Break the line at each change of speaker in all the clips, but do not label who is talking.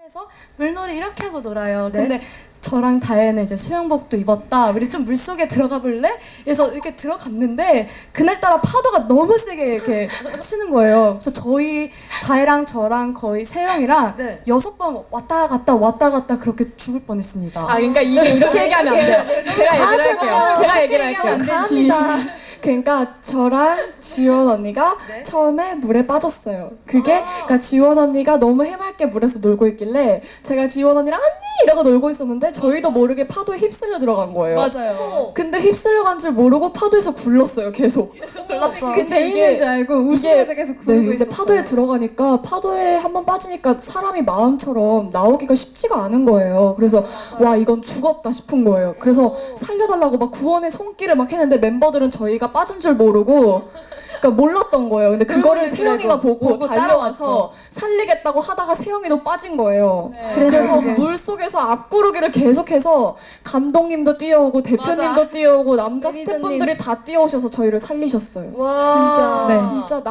해서 물놀이 이렇게 하고 놀아요. 근데 저랑 다혜는 이제 수영복도 입었다. 우리 좀 물속에 들어가 볼래? 그래서 이렇게 들어갔는데 그날따라 파도가 너무 세게 이렇게 치는 거예요. 그래서 저희 다혜랑 저랑 거의 세영이랑 6번 왔다 갔다 그렇게 죽을 뻔했습니다.
아, 그러니까 이게 이렇게 얘기하면 안 돼요. 제가 얘기를 할게요. 제가 얘기를 할게요.
감사합니다.
그러니까 저랑 지원 언니가 처음에 물에 빠졌어요. 그게 그러니까 지원 언니가 너무 해맑게 물에서 놀고 있길래 제가 지원 언니랑 언니 이러고 놀고 있었는데 저희도 모르게 파도에 휩쓸려 들어간 거예요.
맞아요.
근데 휩쓸려 간 줄 모르고 파도에서 굴렀어요. 계속.
몰랐죠.
근데
재밌는 줄 알고 웃으면서 계속
네,
굴고
근데
있었어요.
파도에 들어가니까 파도에 한번 빠지니까 사람이 마음처럼 나오기가 쉽지가 않은 거예요. 그래서 와 이건 죽었다 싶은 거예요. 그래서 살려달라고 막 구원의 손길을 막 했는데 멤버들은 저희가 빠진 줄 모르고 그러니까 몰랐던 거예요. 근데 그거를 세영이가 보고 달려와서 살리겠다고 하다가 세영이도 빠진 거예요. 그래서 물 속에서 앞구르기를 계속해서 감독님도 뛰어오고 대표님도 뛰어오고 남자 스태프분들이 다 뛰어오셔서 저희를 살리셨어요.
와
진짜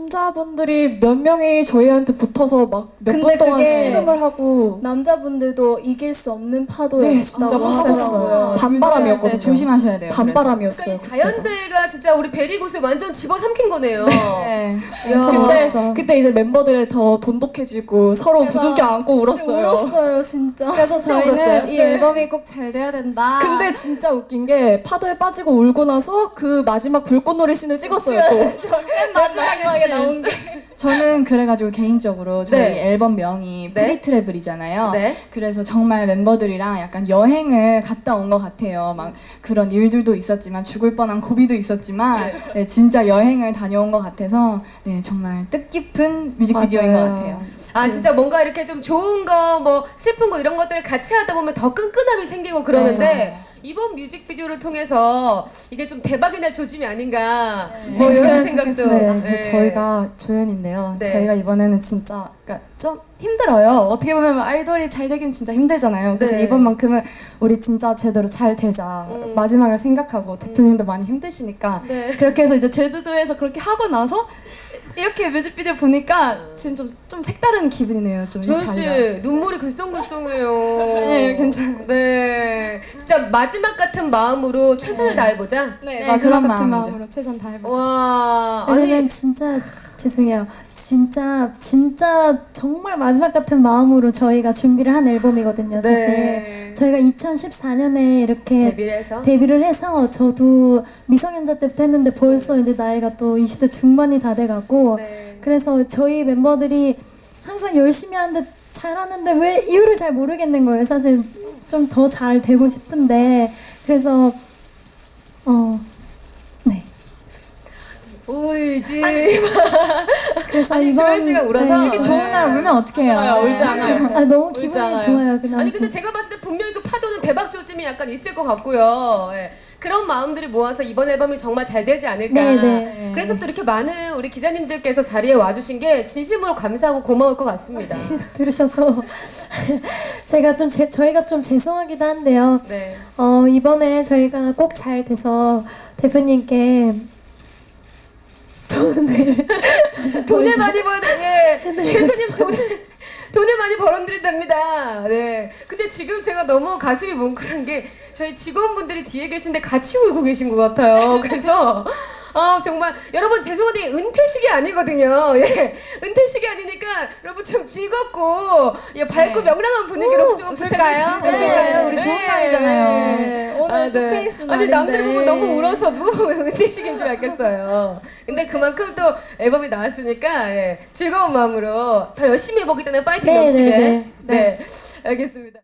남자분들이 몇 명이 저희한테 붙어서 막 몇 분
근데
동안
그게
씨름을 하고
남자분들도 이길 수 없는 파도였다고
네, 진짜
하더라고요.
반바람이었거든요.
조심하셔야 돼요.
반바람이었어요.
그러니까 이 자연재해가 진짜 우리 베리굿을 완전 집어삼킨 거네요.
네.
근데 그때 이제 멤버들이 더 돈독해지고 서로 부둥켜 안고 울었어요.
울었어요 진짜.
그래서 저희는
울었어요?
이 앨범이 꼭 잘 돼야 된다.
근데 진짜 웃긴 게 파도에 빠지고 울고 나서 그 마지막 불꽃놀이 씬을 찍었어요. 또.
맨 마지막에 나온 게. 저는 그래가지고 개인적으로 저희 앨범 명이 프리트래블이잖아요.
네.
그래서 정말 멤버들이랑 약간 여행을 갔다 온 것 같아요. 막 그런 일들도 있었지만 죽을 뻔한 고비도 있었지만 네, 진짜 여행을 다녀온 것 같아서 네, 정말 뜻깊은 뮤직비디오인 것 같아요.
아 진짜 뭔가 이렇게 좀 좋은 거 뭐 슬픈 거 이런 것들을 같이 하다 보면 더 끈끈함이 생기고 그러는데 이번 뮤직비디오를 통해서 이게 좀 대박이 날 조짐이 아닌가 뭐 이런 생각도
네, 저희가 조연인데요.
네.
저희가 이번에는 진짜 그러니까 좀 힘들어요. 어떻게 보면 아이돌이 잘 되긴 진짜 힘들잖아요. 그래서
네.
이번만큼은 우리 진짜 제대로 잘 되자. 마지막을 생각하고 대표님도 많이 힘드시니까
네.
그렇게 해서 이제 제주도에서 그렇게 하고 나서 이렇게 뮤직비디오 보니까 지금 좀 색다른 기분이네요. 좀 이
조연
자리가.
씨 눈물이 글썽글썽해요.
네, 괜찮아요.
네, 진짜 마지막 같은 마음으로 최선을 다해보자.
네,
네,
마지막
그런
같은
마음이죠.
마음으로 최선 다해보자.
와,
왜냐면
아니
진짜 죄송해요. 진짜 정말 마지막 같은 마음으로 저희가 준비를 한 앨범이거든요. 사실
네.
저희가 2014년에 이렇게
데뷔를 해서
데뷔를 해서 저도 미성년자 때부터 했는데 벌써 이제 나이가 또 20대 중반이 다 돼가고
네.
그래서 저희 멤버들이 항상 열심히 하는데 잘하는데 왜 이유를 잘 모르겠는 거예요. 사실 좀 더 잘 되고 싶은데 그래서 네.
울지.
그래서
아니,
이번
조연 씨가 울어서
이렇게 좋은 날 울면 어떡해요?
울지 않아요.
아 너무 기분이 좋아요. 그냥
아니 근데 제가 봤을 때 분명히 그 파도는 대박 조짐이 약간 있을 것 같고요. 예. 그런 마음들을 모아서 이번 앨범이 정말 잘 되지 않을까.
네.
그래서 또 이렇게 많은 우리 기자님들께서 자리에 와주신 게 진심으로 감사하고 고마울 것 같습니다.
들으셔서 제가 좀 저희가 좀 죄송하기도 한데요.
네.
이번에 저희가 꼭 잘 돼서 대표님께
돈을 많이 벌, 예. 대표님 돈을 많이 벌어드린답니다. 네. 근데 지금 제가 너무 가슴이 뭉클한 게 저희 직원분들이 뒤에 계신데 같이 울고 계신 것 같아요. 그래서 정말 여러분 죄송한데 은퇴식이 아니거든요. 예. 은퇴식이 아니니까 여러분 좀 즐겁고 밝고 명랑한 분위기로 좀
웃을까요?
부탁드립니다.
웃을까요? 우리 좋은 날이잖아요.
네, 오늘 쇼케이스 날인데.
아니 남들이 보면 너무 울어서도 은퇴식인 줄 알겠어요. 근데 그만큼 또 앨범이 나왔으니까 즐거운 마음으로 더 열심히 해보기 때문에 파이팅
네,
넘치게.
네, 네.
네, 알겠습니다.